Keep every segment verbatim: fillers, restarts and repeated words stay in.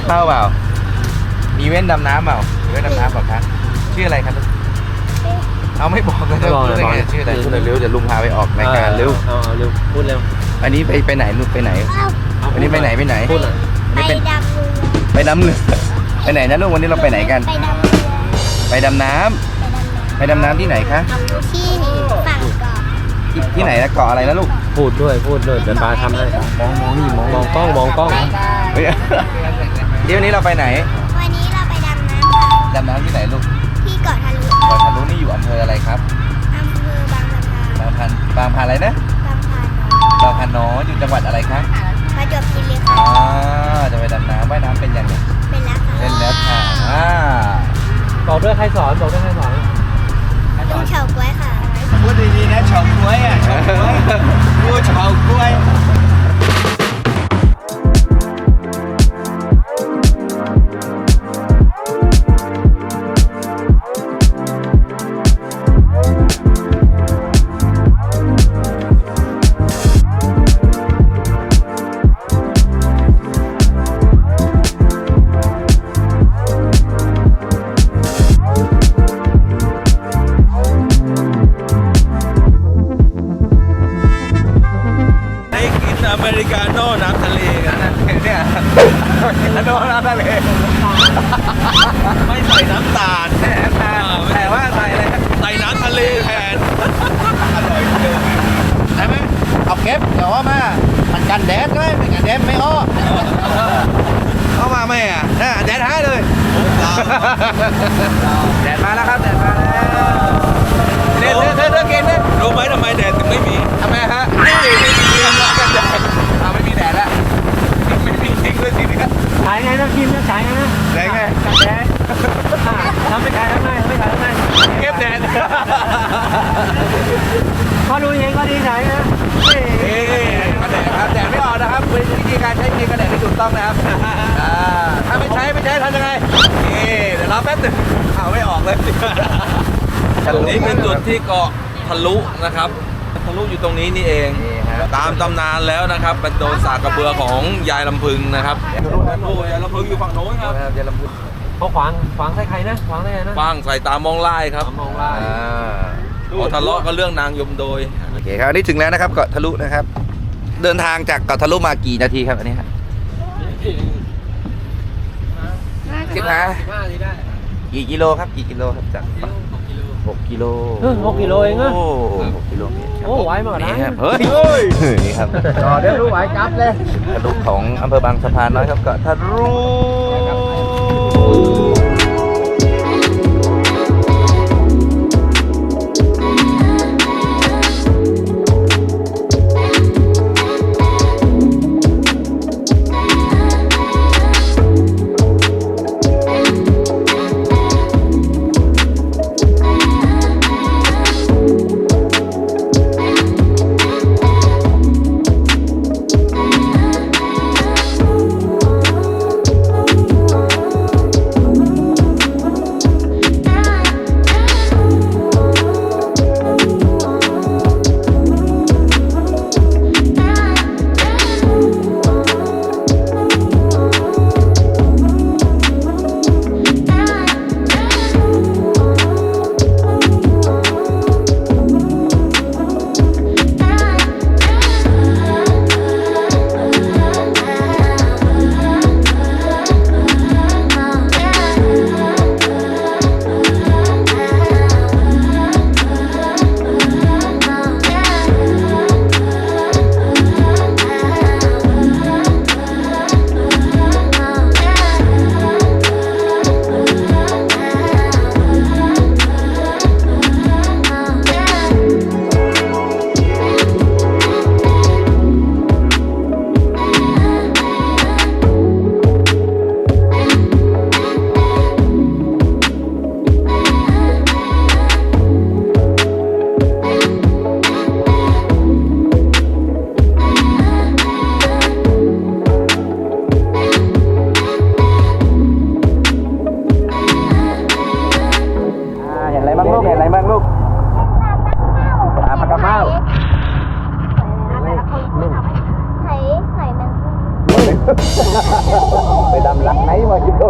เข้าเปล่ามีเว้นดำน้ำเปล่ามีเว้นดำน้ำเปล่าครับชื่ออะไรครับเอาไม่บอกเลยนะชื่ออะไรชื่ออะไรพูดเร็วเดี๋ยวลุงพาไปออกรายการเร็วเอาเร็วพูดเร็วอันนี้ไปไปไหนลุงไปไหนอันนี้ไปไหนไปไหนพูดเลยไปดำเรือไปดำเรือไปไหนนะลูกวันนี้เราไปไหนกันไปดำน้ำไปดำน้ำที่ไหนคะที่ฝั่งเกาะที่ไหนนะเกาะอะไรนะลูกพูดด้วยพูดด้วยเดี๋ยวปาทำให้มองมองนี่มองมองกล้องมองกล้องเฮ้ยเดี๋ยววันนี้เราไปไหนวันนี้เราไปดำน้ำค่ะดำน้ำที่ไหนลูกที่เกาะทะลุเกาะทะลุนี่อยู่อำเภออะไรครับอำเภอบางสะพานบางพันบางพันอะไรนะบางพานบางพันน้อยอยู่จังหวัดอะไรคะประจวบคีรีขันธ์อ๋อจะไปดำน้ำว่ายน้ำเป็นยังไงเป็นแล้วค่ะเป็นแล้วค่ะอ่าบอกด้วยใครสอนบอกด้วยใครสอนลุงเฉาก๊วยค่ะพูดดีๆนะเฉาก๊วยอ่ะเฉาก๊วยพูดเฉาก๊วยอเมริกาโน่น้ำทะเลกันนะเนี่ยโน่น้ำทะเลไม่ใส่น้ำตาลแน่แต่ว่าใส่อะไรใส่น้ำทะเลแทนอร่อยเกินใช่ไหมเอาเก็บเดี๋ยวว่ามามันกันแดดด้วยมันกันแดดไม่อ้อเข้ามาไหมอ่ะน่ะแดดหายเลยแดดมาแล้วครับแดดมาแล้วเด็ดเด็ดเด็ดเด็ดเกณฑ์เด็ดรู้ไหมทำไมแดดถึงไม่มีทำไมฮะนี่ไม่มีกันแดดเอาไม่มีแดดแล้วไม่มีจริงเลยสิเนี่ยขายไงนะคิมนะขายไงนะแดดไงแดดทำไม่ขายทำไงไม่ขายทำไงเก็บแดดพอดูเองก็ดีใจนะนี่กระแดดครับแดดไม่ออกนะครับเป็นวิธีการใช้ครีมกระแดดที่ถูกต้องนะครับถ้าไม่ใช้ไม่ใช้ทำยังไงนี่เดี๋ยวรอแป๊บนึงเอาไม่ออกเลยนี่เป็นจุดที่เกาะทะลุนะครับทะลุอยู่ตรงนี้นี่เองตามตำนานแล้วนะครับเป็นโดนสากกระเบือของยายลำพึงนะครับโอ้ยายลำพึงอยู่ฝั่งโน้นครับยายลำพึงเขาขวางขวางใส่ใครนะขวางได้ไงนะขวางใส่ตามองไล่ครับมองไล่พอทะเลาะก็เรื่องนางยมโดยโอเคครับอันนี้ถึงแล้วนะครับเกาะทะลุนะครับเดินทางจากเกาะทะลุมากี่นาทีครับอันนี้ครับสิบห้ากี่กิโลครับกี่กิโลครับจากหกกิโลหกกิโลเองเหรอโอ้หกกิโลเมตรโอ้ไหวมากนะเฮ้ยนี่ครับต่อเดี๋ยวรู้ไหวจับเลยทะลุของอำเภอบางสะพานน้อยครับเกาะทะลุ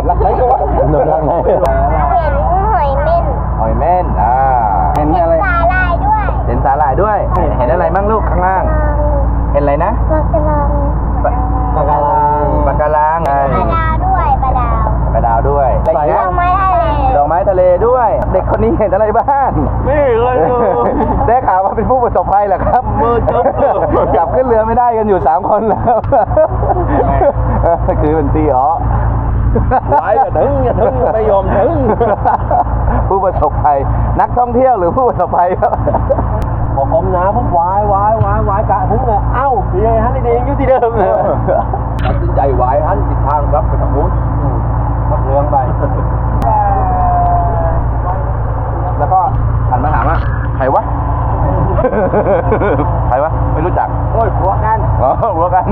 รักไหนก็วะหนูรักไหนเห็นหอยเม่นหอยเม่นอ่าเห็นอะไรสาลายด้วยเห็นสาหร่ายด้วย เห็นอะไรบ้างลูกข้างล่าง เห็นอะไรนะปลากระลังปลาการังปลาดาวด้วยปลาดาวปลาดาวด้วยดอกไม้ทะเลดอกไม้ทะเลด้วย เด็กคนนี้เห็นอะไรบ้างไม่เห็นเลยได้ข่าวว่าเป็นผู้ประสบภัยเหรอครับมือจบกลับขึ้นเรือไม่ได้กันอยู่สามคนแล้วคือเป็นตีอ๋อไหวอย่าถึงอย่าถึงไม่ยอมถึงผู้ประสบภัยนักท่องเที่ยวหรือผู้ประสบภัยครับพอผมนะผมวายวายวายวายกะถึงเลยเอ้าพี่ฮันนี่เองอยู่ที่เดิมเลยตัดสินใจวายหันทิศทางครับไปทางนู้นขับเรือไปแล้วก็หันมาถามว่าใครวะ ใครวะไม่รู้จักโอ้ยผัวกันอ๋อหัวกัน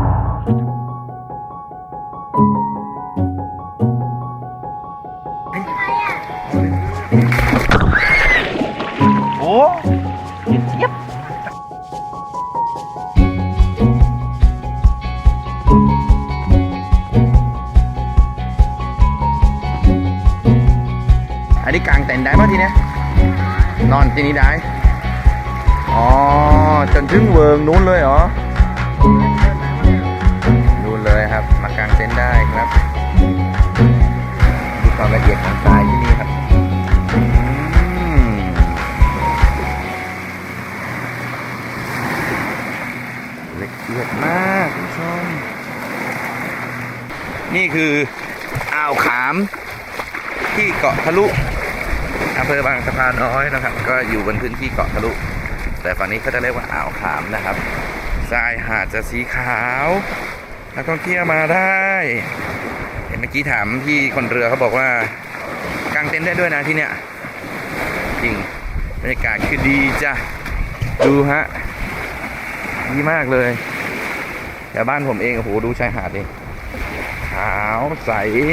โอ้เย็บอันนี้กลางเต็นท์ได้ป่ะทีเนี้ยนอนที่นี้ได้ อ๋อ จนถึงเวิร์งนู้นเลยเหรอ นู้นเลยครับ มากางเต็นท์ได้ครับ ดูความละเอียดของทรายที่นี่ครับอืมละเอียดมากคุณผู้ชม นี่คืออ่าวขามที่เกาะทะลุอำเภอบางสะพานน้อยนะครับ ก็อยู่บนพื้นที่เกาะทะลุ แต่ฝั่งนี้เขาจะเรียกว่าอ่าวขามนะครับทรายหาดจะสีขาวนักท่องเที่ยวมาได้เห็นเมื่อกี้ถามพี่คนเรือเขาบอกว่ากางเต็นท์ได้ด้วยนะที่เนี้ยจริงบรรยากาศคือดีจ้ะดูฮะดีมากเลยแต่บ้านผมเองโอ้โหดูชายหาดดิขาวใส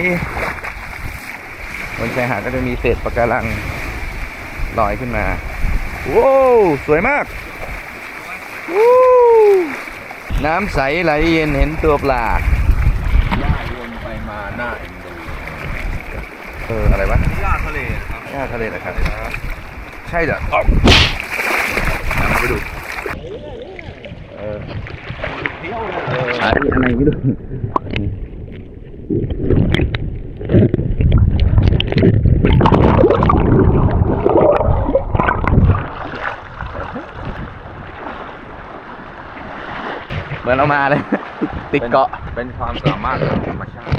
บนชายหาดก็จะมีเศษปะการังลอยขึ้นมาโว้วสวยมากวู้น้ำใสไหลเย็นเห็นตัวปลาย่าวนไปมาหน้าเอ็นดูเอออะไรวะย่าทะเลครับหญ้าทะเลนะครับใช่เหรออ๋อเอาไปดูเอออะไรอะไรไม่รู้เหมือนเรามาเลย ติดเกาะเป็นความสามารถของธรรมชาติ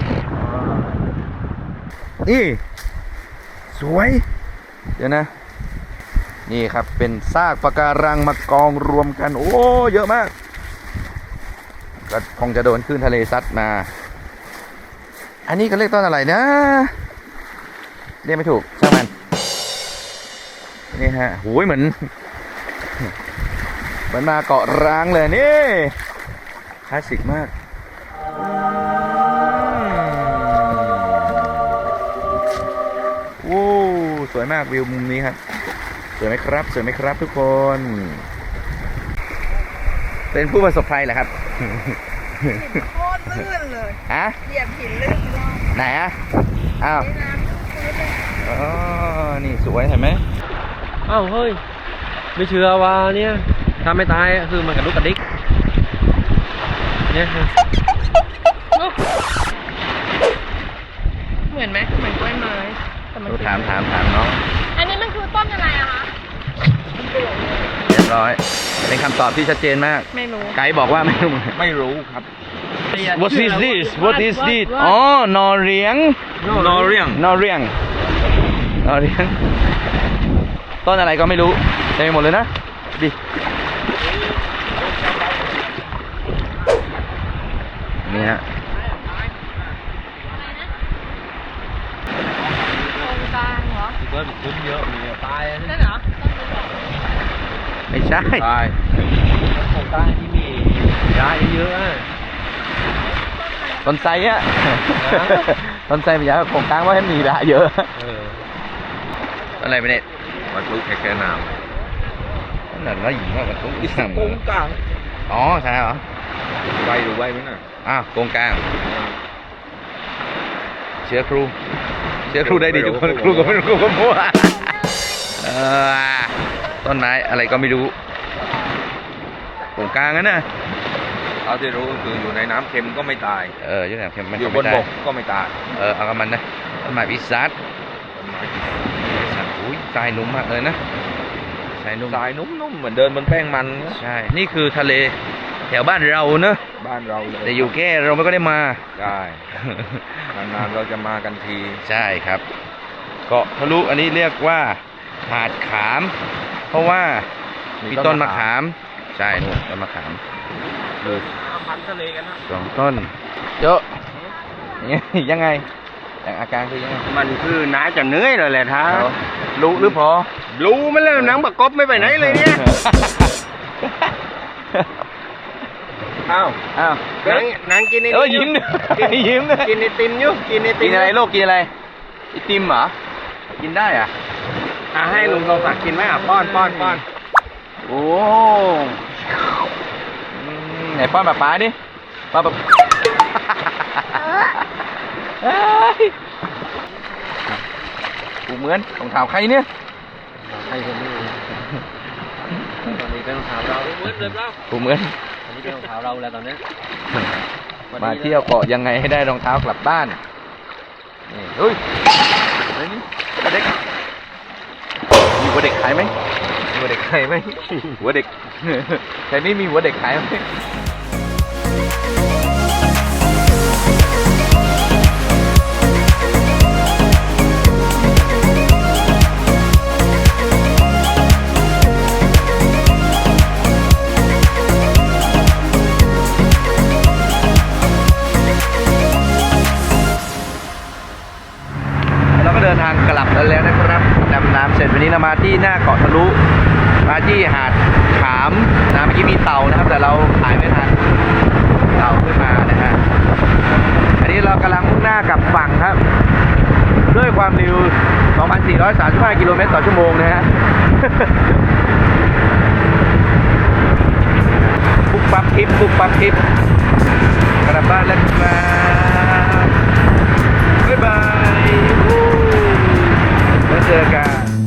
นี่สวย เดี๋ยวนะ นี่ครับเป็นซากปะการังมากองรวมกัน โอ้เยอะมากก็คงจะโดนคลื่นทะเลซัดมา อันนี้ก็เรียกต้นอะไรนะ เรียกไม่ถูกช่างมันนี่ฮะหูยเหมือนเหมือนมาเกาะร้างเลยนี่คลาสสิกมากโอ้สวยมากวิวมุมนี้ครับสวยไหมครับสวยไหมครับทุกคนเป็นผู้ประสบภัยเหรอครับโคตรลื่นเลยฮะเหยียบหินลื่นรอบไหนอ่ะอ้าวน้ำพื้นเลยอ๋อนี่สวยเห็นไหมเอ้าเฮ้ยไม่เชื่อว่าเนี่ยถ้าไม่ตายคือมันกระดุกกระดิกเนี่ยเหมือนไหมเหมือนกล้วยไม้แต่มันดูถามถามถามน้องอันนี้มันคือต้นอะไรอะคะเรียบร้อยเป็นคำตอบที่ชัดเจนมากไม่รู้ไกด์บอกว่าไม่รู้ไม่รู้ครับ What is this What is this อ๋อ นอเรียงนอเรียงนอเรียง นอเรียง ต้นอะไรก็ไม่รู้เต็มไปหมดเลยนะ ดิ นี่ฮะโครงกลางเหรอเกิดขึ้นเยอะมีตายนั่นเหรอไม่ใช่ตายโครงการที่มียาเยอะต้นไทรอะ ต้นไทรมันอยากโครงกลางว่าให้มีดาเยอะเอออะไรไปเนี่ยวัตถุแค่แค่น้นั่นน่ะน้อยหญิงว่ามันต้องอีกสามำโกงกลางอ๋อใช่เหรอใบหรือใบไหมน่ะอ้าวโครงกลางเชื้อครูเชื้อครูได้ดีทุกคนครูก็ไม่รู้ครูก็มั่วเออต้นไม้อะไรก็ไม่รู้ตรงกลางนั่นน่ะเอาที่รู้คืออยู่ในน้ำเค็มก็ไม่ตายเออยังไงมันอยู่บไม่นได้บกก็ไม่ตายเออเอากับมันนะต้นไม้วิสัทอุ้ยทรายนุ่มมากเลยนะทรายนุ่มทรายนุ่มๆเหมือนเดินบนแป้งมันนะใช่นี่คือทะเลแถวบ้านเราเนอะบ้านเราเลยแต่อยู่แค่เราไม่ก็ได้มาได้นานๆเราจะมากันทีใช่ครับเกาะทะลุอันนี้เรียกว่าหาดขาม เพราะว่ามีต้นมะขามใช่นู่นต้นมะขามเลยพันทะเลกันนะสองต้นเยอะยังไงอย่างอาการคือยังไงมันคือน้าจะเหนื่อยเลยแหละท่ารู้หรือพอรู้มันแล้วหนังบักกบไม่ไปไหนเลยเนี่ยอ้าวอ้าวหนังหนังกินไอ้เออยิ้มด้วยยิ้มด้วยกินไอติมอยู่กินไอติกิมนอะไรลูกกินอะไรไอติมเหรอกินได้อ่ะอ่ะให้ลุงทองศักดิ์กินไหมอ่ะป้อนป้อนป้อนโอ้อืมไหนป้อนป๊าป๊าดิป้อนป๊าเฮ้ยกูเหมือนรองเท้าใครเนี่ยให้คนนี้ตอนนี้เป็นรองเท้าเราเวิร์ดเลยเปล่ากูเหมือนอันนี้เป็นรองเท้าเราแล้วตอนนี้มาเที่ยวเกาะยังไงให้ได้รองเท้ากลับบ้านนี่เฮ้ยอะไรนี่หัวเด็กมีหัวเด็กขายไหมมีหัวเด็กขายไหมหัวเด็กใครไม่มีหัวเด็กขายไหม เราก็เดินทางกลับกันแล้วนะครับดำน้ำเสร็จวันนี้เรามาที่หน้าเกาะทะลุมาที่หาดขามนะเมื่อกี้มีเต่านะครับ แต่เราถ่ายไม่ทันเต่าขึ้นมานะฮะอันนี้เรากำลังมุ่งหน้ากลับฝั่งครับ ด้วยความเร็ว สองพันสี่ร้อยสามสิบห้า กิโลเมตรต่อชั่วโมงนะฮะ ปุ๊บปั๊บคลิปปุ๊บปั๊บคลิปกลับบ้านแล้วครับบ๊ายบายแล้วเจอกัน